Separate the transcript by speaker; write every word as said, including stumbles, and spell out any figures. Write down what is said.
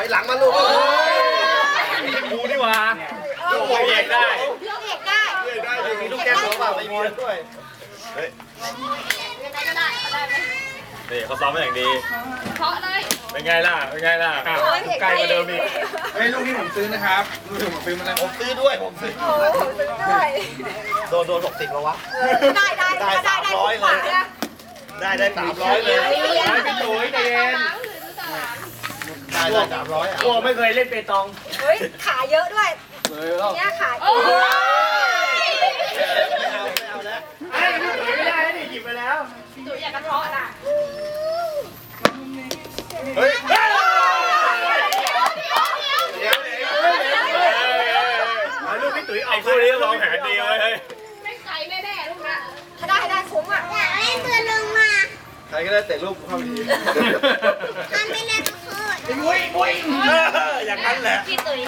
Speaker 1: หลังมาลูก
Speaker 2: กูนี่หว่าลูกเอกได้
Speaker 3: ลูกเอกได้
Speaker 1: ได้มีลูกแก้มเขาเปล่าไม่มีด้วยเฮ้ย
Speaker 3: ยังไงก็ได้ก็ได้ไหม
Speaker 2: นี่เขาซ้อมมาอย่างดี
Speaker 3: เพราะเลย
Speaker 2: เป็นไงล่ะเป็นไงล่ะใกล้กว่าเดิมอีก
Speaker 1: เฮ้ยลูกที่ผมซื้อนะครับลูกที่ผมซื้อมาแล้วผมซื้อด้วยผมซื้อ
Speaker 3: โอ้โหซื้อด้วย
Speaker 1: โดนโดนหกสิบแล้ววะ
Speaker 3: ได้ได้
Speaker 1: ได้สามร้อยเลยได้ได้สามร้อยเลย
Speaker 2: ไม่เป็นโถยเดน
Speaker 1: ได้ได้สามร้อยอ่ะ
Speaker 2: พวกไม่เคยเล่นเปตอง
Speaker 3: เฮ้ยขาเยอะด้วย
Speaker 1: เลยแล้ว
Speaker 3: เนี่ยขา
Speaker 1: ไม่เอาไม่เอาแล้ว
Speaker 2: ไอ้พี่ตุ๋ยไม่ได้ดิหยิบไปแล้ว
Speaker 3: ตุ๋ยอยากกระเทาะน่ะ
Speaker 1: เฮ้ย
Speaker 2: เดี๋ยวลูกพี่ตุ๋ยเอาคู่นี้ลองแผนดีเลยเฮ้ย
Speaker 3: ไม่ไกลแน่ๆลูกนะถ้าได้ได้คุ้มอ่ะอยากเล่นตัวลงมา
Speaker 1: ใครก็ได้เตะลูกเข้าดี
Speaker 3: ทำไม่เล่นก็คือ
Speaker 2: มุ้ยมุ้ยอย่างนั้นแหละ
Speaker 3: พี่ตุ๋ย